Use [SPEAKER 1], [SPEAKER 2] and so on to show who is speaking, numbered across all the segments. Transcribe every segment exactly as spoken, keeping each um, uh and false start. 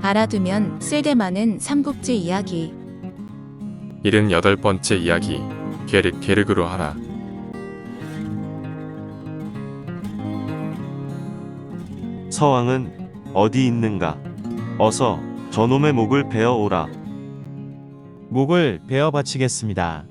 [SPEAKER 1] 알아두면 쓸데많은 삼국지 이야기.
[SPEAKER 2] 일흔여덟 번째 이야기. 계륵 계륵으로 하라.
[SPEAKER 3] 서왕은 어디 있는가? 어서 저놈의 목을 베어 오라.
[SPEAKER 4] 목을 베어 바치겠습니다.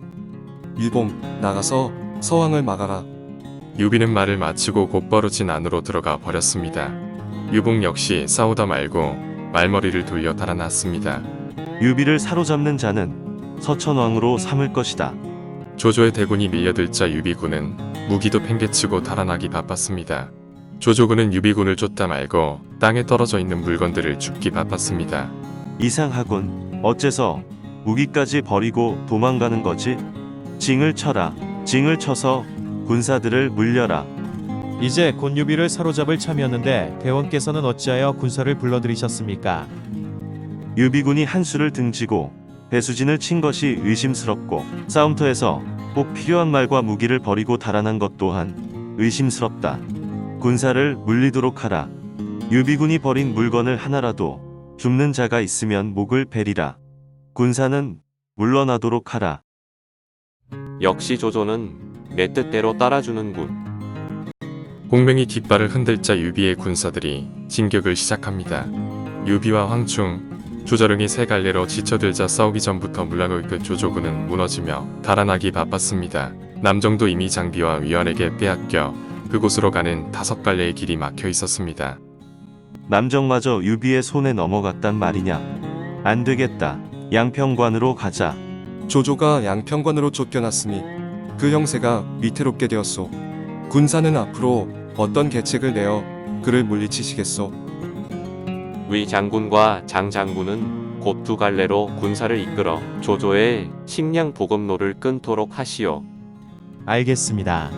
[SPEAKER 5] 유봉, 나가서 서왕을 막아라.
[SPEAKER 2] 유비는 말을 마치고 곧바로 진 안으로 들어가 버렸습니다. 유봉 역시 싸우다 말고 말머리를 돌려 달아났습니다.
[SPEAKER 3] 유비를 사로잡는 자는 서천왕으로 삼을 것이다.
[SPEAKER 2] 조조의 대군이 밀려들자 유비군은 무기도 팽개치고 달아나기 바빴습니다. 조조군은 유비군을 쫓다 말고 땅에 떨어져 있는 물건들을 줍기 바빴습니다.
[SPEAKER 3] 이상하군. 어째서 무기까지 버리고 도망가는 거지? 징을 쳐라. 징을 쳐서 군사들을 물려라.
[SPEAKER 4] 이제 곧 유비를 사로잡을 참이었는데 대원께서는 어찌하여 군사를 불러들이셨습니까?
[SPEAKER 3] 유비군이 한수를 등지고 배수진을 친 것이 의심스럽고 싸움터에서 꼭 필요한 말과 무기를 버리고 달아난 것 또한 의심스럽다. 군사를 물리도록 하라. 유비군이 버린 물건을 하나라도 줍는 자가 있으면 목을 베리라. 군사는 물러나도록 하라.
[SPEAKER 6] 역시 조조는 내 뜻대로 따라주는군.
[SPEAKER 2] 공명이 깃발을 흔들자 유비의 군사들이 진격을 시작합니다. 유비와 황충, 조자룡이 세 갈래로 지쳐들자 싸우기 전부터 물량을 그 조조군은 무너지며 달아나기 바빴습니다. 남정도 이미 장비와 위원에게 빼앗겨 그곳으로 가는 다섯 갈래의 길이 막혀 있었습니다.
[SPEAKER 3] 남정마저 유비의 손에 넘어갔단 말이냐? 안 되겠다. 양평관으로 가자.
[SPEAKER 5] 조조가 양평관으로 쫓겨났으니 그 형세가 위태롭게 되었소. 군사는 앞으로 어떤 계책을 내어 그를 물리치시겠소?
[SPEAKER 6] 위 장군과 장 장군은 곧 두 갈래로 군사를 이끌어 조조의 식량 보급로를 끊도록 하시오.
[SPEAKER 4] 알겠습니다.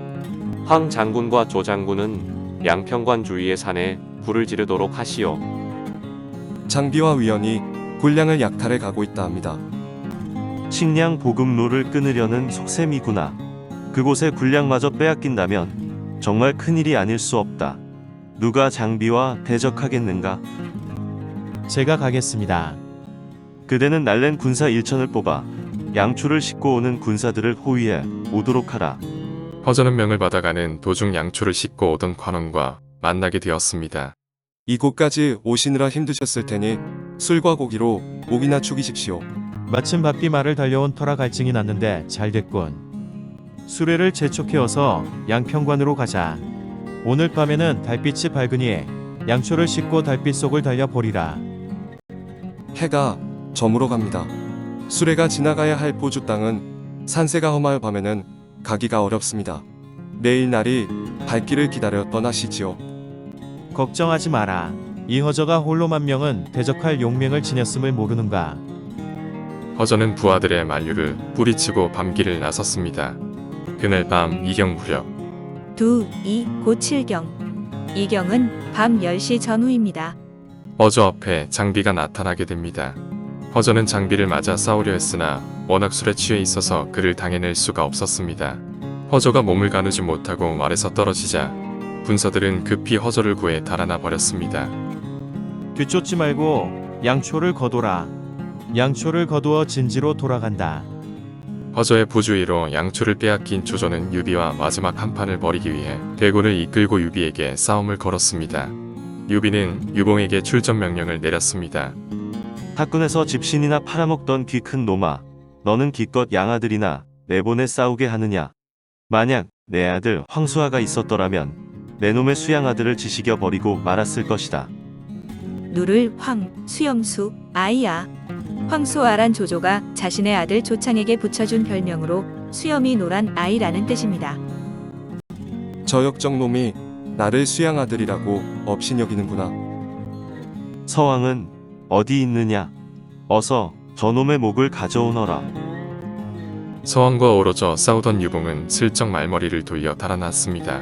[SPEAKER 6] 황 장군과 조 장군은 양평관 주위의 산에 불을 지르도록 하시오.
[SPEAKER 5] 장비와 위원이 군량을 약탈해 가고 있다 합니다.
[SPEAKER 3] 식량 보급로를 끊으려는 속셈이구나. 그곳에 군량마저 빼앗긴다면 정말 큰일이 아닐 수 없다. 누가 장비와 대적하겠는가?
[SPEAKER 4] 제가 가겠습니다.
[SPEAKER 3] 그대는 날랜 군사 일천을 뽑아 양초를 싣고 오는 군사들을 호위해 오도록 하라.
[SPEAKER 2] 허전은 명을 받아가는 도중 양초를 싣고 오던 관원과 만나게 되었습니다.
[SPEAKER 5] 이곳까지 오시느라 힘드셨을 테니 술과 고기로 목이나 축이십시오.
[SPEAKER 4] 마침 바삐 말을 달려온 터라 갈증이 났는데 잘 됐군. 수레를 재촉해어서 양평관으로 가자. 오늘 밤에는 달빛이 밝으니 양초를 싣고 달빛 속을 달려보리라.
[SPEAKER 5] 해가 저물어 갑니다. 수레가 지나가야 할 포주 땅은 산세가 험하여 밤에는 가기가 어렵습니다. 내일 날이 밝기를 기다려 떠나시지요.
[SPEAKER 4] 걱정하지 마라. 이 허저가 홀로 만 명은 대적할 용맹을 지녔음을 모르는가.
[SPEAKER 2] 허전은 부하들의 만류를 뿌리치고 밤길을 나섰습니다. 그날 밤 이경 무렵
[SPEAKER 1] 두, 이, 고 칠경. 이경은 밤 열 시 전후입니다.
[SPEAKER 2] 허저 앞에 장비가 나타나게 됩니다. 허저는 장비를 맞아 싸우려 했으나 워낙 술에 취해 있어서 그를 당해낼 수가 없었습니다. 허저가 몸을 가누지 못하고 말에서 떨어지자 군사들은 급히 허저를 구해 달아나 버렸습니다.
[SPEAKER 4] 뒤쫓지 말고 양초를 거둬라. 양초를 거두어 진지로 돌아간다.
[SPEAKER 2] 허저의 부주의로 양초를 빼앗긴 조조는 유비와 마지막 한판을 벌이기 위해 대군을 이끌고 유비에게 싸움을 걸었습니다. 유비는 유봉에게 출전 명령을 내렸습니다.
[SPEAKER 3] 학군에서 집신이나 팔아먹던 귀 큰 놈아, 너는 기껏 양아들이나 내보내 싸우게 하느냐? 만약 내 아들 황수아가 있었더라면 내 놈의 수양아들을 지식여 버리고 말았을 것이다.
[SPEAKER 1] 누를 황, 수영수, 아이야. 황소아란 조조가 자신의 아들 조창에게 붙여준 별명으로 수염이 노란 아이라는 뜻입니다.
[SPEAKER 5] 저 역정놈이 나를 수양아들이라고 업신여기는구나.
[SPEAKER 3] 서왕은 어디 있느냐? 어서 저놈의 목을 가져오너라.
[SPEAKER 2] 서왕과 어우러져 싸우던 유봉은 슬쩍 말머리를 돌려 달아났습니다.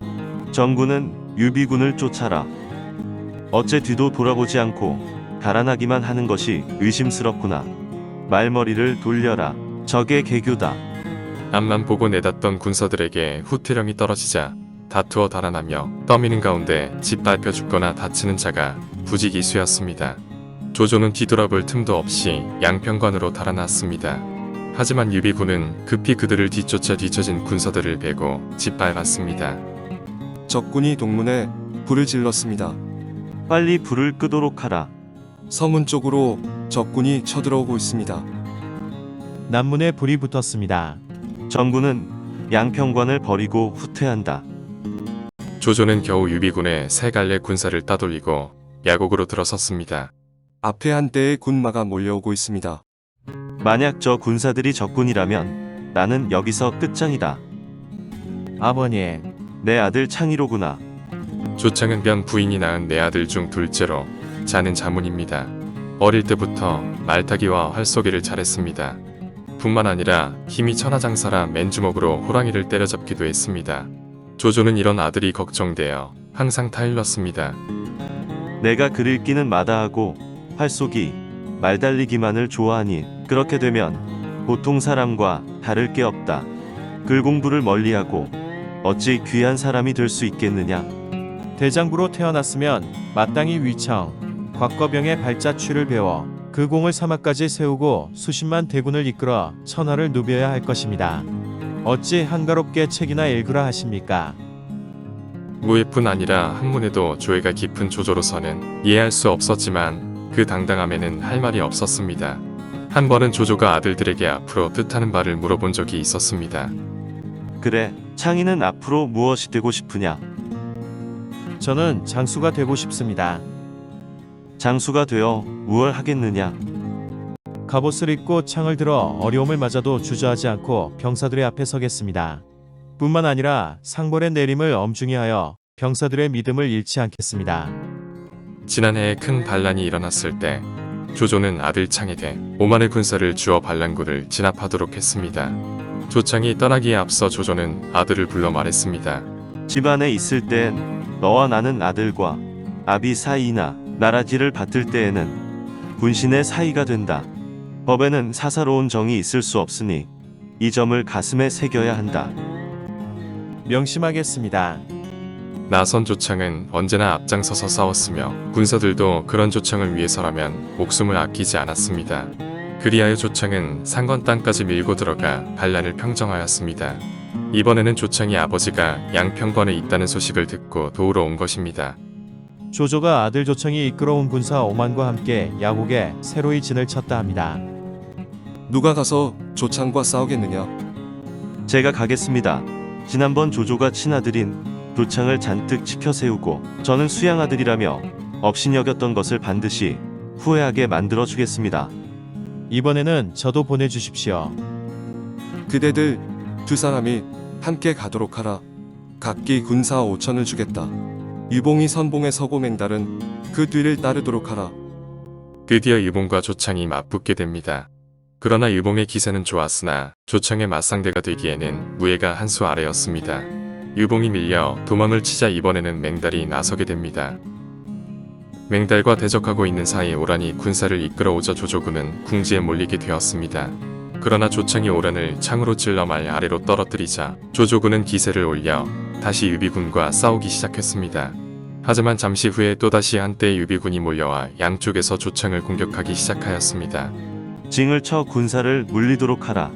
[SPEAKER 3] 정군은 유비군을 쫓아라. 어째 뒤도 돌아보지 않고 달아나기만 하는 것이 의심스럽구나. 말머리를 돌려라. 적의 개교다.
[SPEAKER 2] 앞만 보고 내닫던 군사들에게 후퇴령이 떨어지자 다투어 달아나며 떠미는 가운데 짓밟혀 죽거나 다치는 자가 부지기수였습니다. 조조는 뒤돌아볼 틈도 없이 양평관으로 달아났습니다. 하지만 유비군은 급히 그들을 뒤쫓아 뒤처진 군사들을 베고 짓밟았습니다.
[SPEAKER 5] 적군이 동문에 불을 질렀습니다.
[SPEAKER 3] 빨리 불을 끄도록 하라.
[SPEAKER 5] 서문 쪽으로 적군이 쳐들어오고 있습니다.
[SPEAKER 4] 남문에 불이 붙었습니다.
[SPEAKER 3] 정군은 양평관을 버리고 후퇴한다.
[SPEAKER 2] 조조는 겨우 유비군의 세 갈래 군사를 따돌리고 야곡으로 들어섰습니다.
[SPEAKER 5] 앞에 한 대의 군마가 몰려오고 있습니다.
[SPEAKER 3] 만약 저 군사들이 적군이라면 나는 여기서 끝장이다.
[SPEAKER 4] 아버님,
[SPEAKER 3] 내 아들 창의로구나.
[SPEAKER 2] 조창은 변 부인이 낳은 네 아들 중 둘째로 자는 자문입니다. 어릴 때부터 말타기와 활쏘기를 잘했습니다. 뿐만 아니라 힘이 천하장사라 맨주먹으로 호랑이를 때려잡기도 했습니다. 조조는 이런 아들이 걱정되어 항상 타일렀습니다.
[SPEAKER 3] 내가 글 읽기는 마다하고 활쏘기, 말 달리기만을 좋아하니 그렇게 되면 보통 사람과 다를 게 없다. 글 공부를 멀리하고 어찌 귀한 사람이 될 수 있겠느냐.
[SPEAKER 4] 대장부로 태어났으면 마땅히 위청, 곽거병의 발자취를 배워 그 공을 사막까지 세우고 수십만 대군을 이끌어 천하를 누벼야 할 것입니다. 어찌 한가롭게 책이나 읽으라 하십니까?
[SPEAKER 2] 무예뿐 아니라 학문에도 조예가 깊은 조조로서는 이해할 수 없었지만 그 당당함에는 할 말이 없었습니다. 한 번은 조조가 아들들에게 앞으로 뜻하는 바를 물어본 적이 있었습니다.
[SPEAKER 3] 그래, 창의는 앞으로 무엇이 되고 싶으냐?
[SPEAKER 4] 저는 장수가 되고 싶습니다.
[SPEAKER 3] 장수가 되어 무얼 하겠느냐?
[SPEAKER 4] 갑옷을 입고 창을 들어 어려움을 맞아도 주저하지 않고 병사들의 앞에 서겠습니다. 뿐만 아니라 상벌의 내림을 엄중히 하여 병사들의 믿음을 잃지 않겠습니다.
[SPEAKER 2] 지난해에 큰 반란이 일어났을 때 조조는 아들 창에게 오만의 군사를 주어 반란군을 진압하도록 했습니다. 조창이 떠나기에 앞서 조조는 아들을 불러 말했습니다.
[SPEAKER 3] 집안에 있을 땐 너와 나는 아들과 아비 사이나 나라지를 받들 때에는 군신의 사이가 된다. 법에는 사사로운 정이 있을 수 없으니 이 점을 가슴에 새겨야 한다.
[SPEAKER 4] 명심하겠습니다.
[SPEAKER 2] 나선 조창은 언제나 앞장서서 싸웠으며 군사들도 그런 조창을 위해서라면 목숨을 아끼지 않았습니다. 그리하여 조창은 상건 땅까지 밀고 들어가 반란을 평정하였습니다. 이번에는 조창이 아버지가 양평관에 있다는 소식을 듣고 도우러 온 것입니다.
[SPEAKER 4] 조조가 아들 조청이 이끌어온 군사 오만과 함께 야곡에 새로이 진을 쳤다 합니다.
[SPEAKER 5] 누가 가서 조창과 싸우겠느냐?
[SPEAKER 3] 제가 가겠습니다. 지난번 조조가 친아들인 조창을 잔뜩 치켜 세우고 저는 수양아들이라며 업신여겼던 것을 반드시 후회하게 만들어 주겠습니다.
[SPEAKER 4] 이번에는 저도 보내주십시오.
[SPEAKER 5] 그대들 두 사람이 함께 가도록 하라. 각기 군사 오천을 주겠다. 유봉이 선봉에 서고 맹달은 그 뒤를 따르도록 하라.
[SPEAKER 2] 드디어 유봉과 조창이 맞붙게 됩니다. 그러나 유봉의 기세는 좋았으나 조창의 맞상대가 되기에는 무예가 한 수 아래였습니다. 유봉이 밀려 도망을 치자 이번에는 맹달이 나서게 됩니다. 맹달과 대적하고 있는 사이 오란이 군사를 이끌어오자 조조군은 궁지에 몰리게 되었습니다. 그러나 조창이 오란을 창으로 찔러 말 아래로 떨어뜨리자 조조군은 기세를 올려 다시 유비군과 싸우기 시작했습니다. 하지만 잠시 후에 또다시 한때의 유비군이 몰려와 양쪽에서 조창을 공격하기 시작하였습니다.
[SPEAKER 3] 징을 쳐 군사를 물리도록 하라.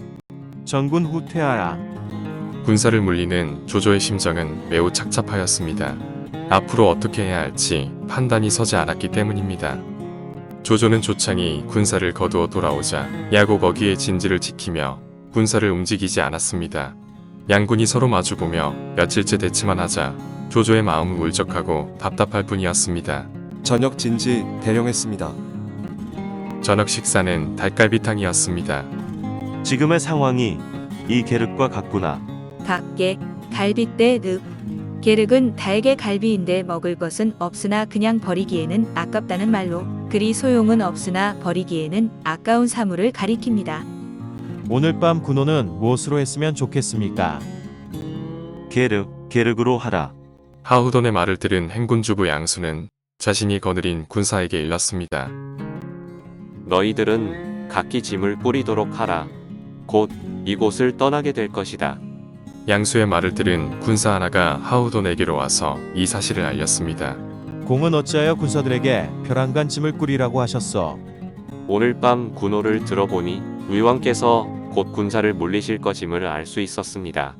[SPEAKER 4] 전군 후퇴하라.
[SPEAKER 2] 군사를 물리는 조조의 심정은 매우 착잡하였습니다. 앞으로 어떻게 해야 할지 판단이 서지 않았기 때문입니다. 조조는 조창이 군사를 거두어 돌아오자 야곡 어귀의 진지를 지키며 군사를 움직이지 않았습니다. 양군이 서로 마주보며 며칠째 대치만 하자 조조의 마음은 울적하고 답답할 뿐이었습니다.
[SPEAKER 5] 저녁 진지 대령했습니다.
[SPEAKER 2] 저녁 식사는 닭갈비탕이었습니다.
[SPEAKER 3] 지금의 상황이 이 계륵과 같구나.
[SPEAKER 1] 닭게, 갈비대 늪. 계륵은 달게 갈비인데 먹을 것은 없으나 그냥 버리기에는 아깝다는 말로 그리 소용은 없으나 버리기에는 아까운 사물을 가리킵니다.
[SPEAKER 4] 오늘 밤 군호는 무엇으로 했으면 좋겠습니까?
[SPEAKER 3] 계륵, 계륵으로 하라.
[SPEAKER 2] 하우돈의 말을 들은 행군주부 양수는 자신이 거느린 군사에게 일렀습니다.
[SPEAKER 6] 너희들은 각기 짐을 뿌리도록 하라. 곧 이곳을 떠나게 될 것이다.
[SPEAKER 2] 양수의 말을 들은 군사 하나가 하우돈에게로 와서 이 사실을 알렸습니다.
[SPEAKER 4] 공은 어찌하여 군사들에게 벼랑간 짐을 꾸리라고 하셨소?
[SPEAKER 6] 오늘 밤 군호를 들어보니 위왕께서 곧 군사를 물리실 것임을 알 수 있었습니다.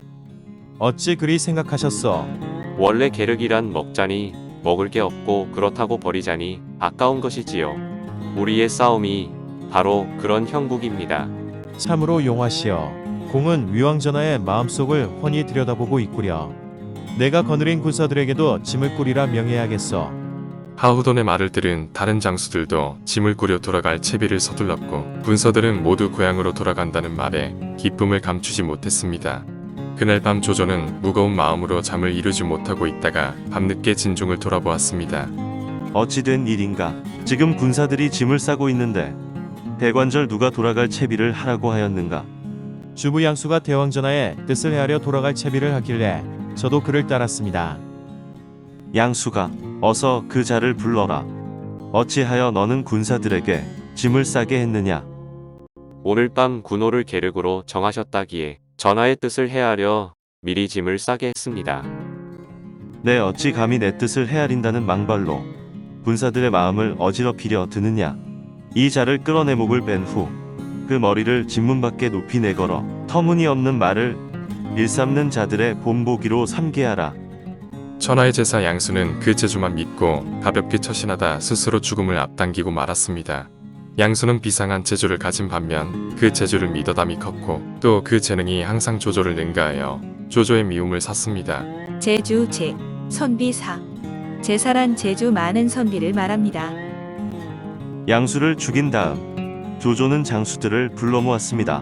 [SPEAKER 4] 어찌 그리 생각하셨소?
[SPEAKER 6] 원래 계륵이란 먹자니 먹을 게 없고 그렇다고 버리자니 아까운 것이지요. 우리의 싸움이 바로 그런 형국입니다.
[SPEAKER 4] 참으로 용하시오. 공은 위왕전하의 마음속을 훤히 들여다보고 있구려. 내가 거느린 군사들에게도 짐을 꾸리라 명해야겠소.
[SPEAKER 2] 하후돈의 말을 들은 다른 장수들도 짐을 꾸려 돌아갈 채비를 서둘렀고 군사들은 모두 고향으로 돌아간다는 말에 기쁨을 감추지 못했습니다. 그날 밤 조조는 무거운 마음으로 잠을 이루지 못하고 있다가 밤늦게 진중을 돌아보았습니다.
[SPEAKER 3] 어찌된 일인가? 지금 군사들이 짐을 싸고 있는데 대관절 누가 돌아갈 채비를 하라고 하였는가?
[SPEAKER 4] 주부 양수가 대왕전하의 뜻을 헤아려 돌아갈 채비를 하길래 저도 그를 따랐습니다.
[SPEAKER 3] 양수가 어서 그 자를 불러라. 어찌하여 너는 군사들에게 짐을 싸게 했느냐?
[SPEAKER 6] 오늘 밤 군호를 계륵으로 정하셨다기에 전하의 뜻을 헤아려 미리 짐을 싸게 했습니다.
[SPEAKER 3] 내 어찌 감히 내 뜻을 헤아린다는 망발로 군사들의 마음을 어지럽히려 드느냐? 이 자를 끌어내 목을 뺀 후 그 머리를 진문 밖에 높이 내걸어 터무니없는 말을 일삼는 자들의 본보기로 삼게 하라.
[SPEAKER 2] 천하의 제사 양수는 그 재주만 믿고 가볍게 처신하다 스스로 죽음을 앞당기고 말았습니다. 양수는 비상한 재주를 가진 반면 그 재주를 믿어담이 컸고 또 그 재능이 항상 조조를 능가하여 조조의 미움을 샀습니다.
[SPEAKER 1] 제주 제 선비사 제사란 제주 많은 선비를 말합니다.
[SPEAKER 3] 양수를 죽인 다음 조조는 장수들을 불러 모았습니다.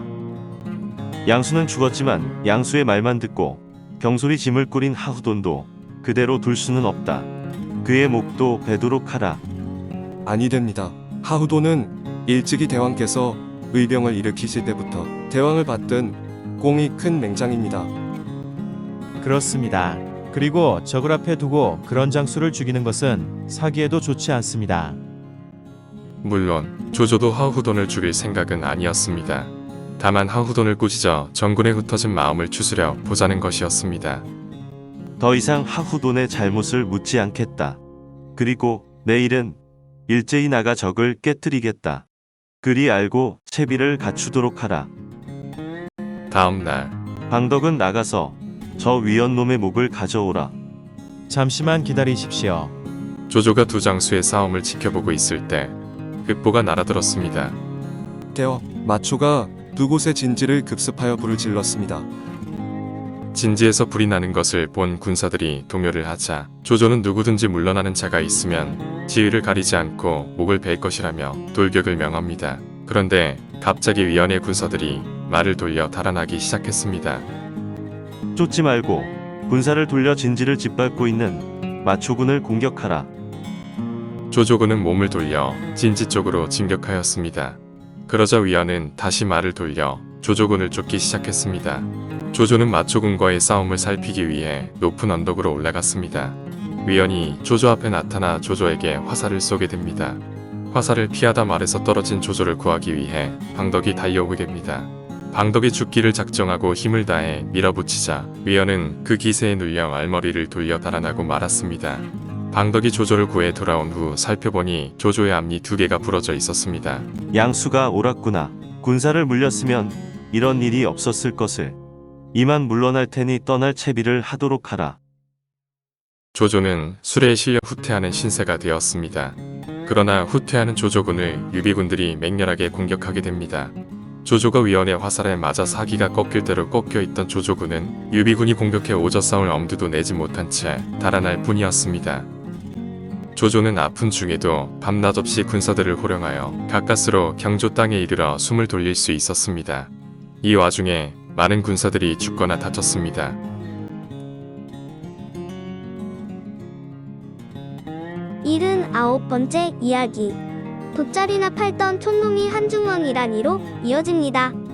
[SPEAKER 3] 양수는 죽었지만 양수의 말만 듣고 경솔히 짐을 꾸린 하후돈도 그대로 둘 수는 없다. 그의 목도 베도록 하라.
[SPEAKER 5] 아니 됩니다. 하후도는 일찍이 대왕께서 의병을 일으키실 때부터 대왕을 받든 공이 큰 맹장입니다.
[SPEAKER 4] 그렇습니다. 그리고 적을 앞에 두고 그런 장수를 죽이는 것은 사기에도 좋지 않습니다.
[SPEAKER 2] 물론 조조도 하후돈을 죽일 생각은 아니었습니다. 다만 하후돈을 꾸짖어 정군에 흩어진 마음을 추스려 보자는 것이었습니다.
[SPEAKER 3] 더 이상 하후돈의 잘못을 묻지 않겠다. 그리고 내일은 일제히 나가 적을 깨뜨리겠다. 그리 알고 채비를 갖추도록 하라.
[SPEAKER 2] 다음 날
[SPEAKER 3] 방덕은 나가서 저 위원놈의 목을 가져오라.
[SPEAKER 4] 잠시만 기다리십시오.
[SPEAKER 2] 조조가 두 장수의 싸움을 지켜보고 있을 때 급보가 날아들었습니다.
[SPEAKER 5] 대왕, 마초가 두 곳의 진지를 급습하여 불을 질렀습니다.
[SPEAKER 2] 진지에서 불이 나는 것을 본 군사들이 동요를 하자 조조는 누구든지 물러나는 자가 있으면 지위를 가리지 않고 목을 벨 것이라며 돌격을 명합니다. 그런데 갑자기 위원의 군사들이 말을 돌려 달아나기 시작했습니다.
[SPEAKER 3] 쫓지 말고 군사를 돌려 진지를 짓밟고 있는 마초군을 공격하라.
[SPEAKER 2] 조조군은 몸을 돌려 진지 쪽으로 진격하였습니다. 그러자 위원은 다시 말을 돌려 조조군을 쫓기 시작했습니다. 조조는 마초군과의 싸움을 살피기 위해 높은 언덕으로 올라갔습니다. 위원이 조조 앞에 나타나 조조에게 화살을 쏘게 됩니다. 화살을 피하다 말에서 떨어진 조조를 구하기 위해 방덕이 달려오게 됩니다. 방덕이 죽기를 작정하고 힘을 다해 밀어붙이자 위원은 그 기세에 눌려 알머리를 돌려 달아나고 말았습니다. 방덕이 조조를 구해 돌아온 후 살펴보니 조조의 앞니 두 개가 부러져 있었습니다.
[SPEAKER 3] 양수가 옳았구나. 군사를 물렸으면 이런 일이 없었을 것을. 이만 물러날 테니 떠날 채비를 하도록 하라.
[SPEAKER 2] 조조는 술에 실려 후퇴하는 신세가 되었습니다. 그러나 후퇴하는 조조군을 유비군들이 맹렬하게 공격하게 됩니다. 조조가 위원의 화살에 맞아 사기가 꺾일 대로 꺾여 있던 조조군은 유비군이 공격해 오져 싸울 엄두도 내지 못한 채 달아날 뿐이었습니다. 조조는 아픈 중에도 밤낮 없이 군사들을 호령하여 가까스로 경조 땅에 이르러 숨을 돌릴 수 있었습니다. 이 와중에 많은 군사들이 죽거나 다쳤습니다.
[SPEAKER 7] 일흔아홉 번째 이야기. 돗자리나 팔던 촌놈이 한중왕이라니로 이어집니다.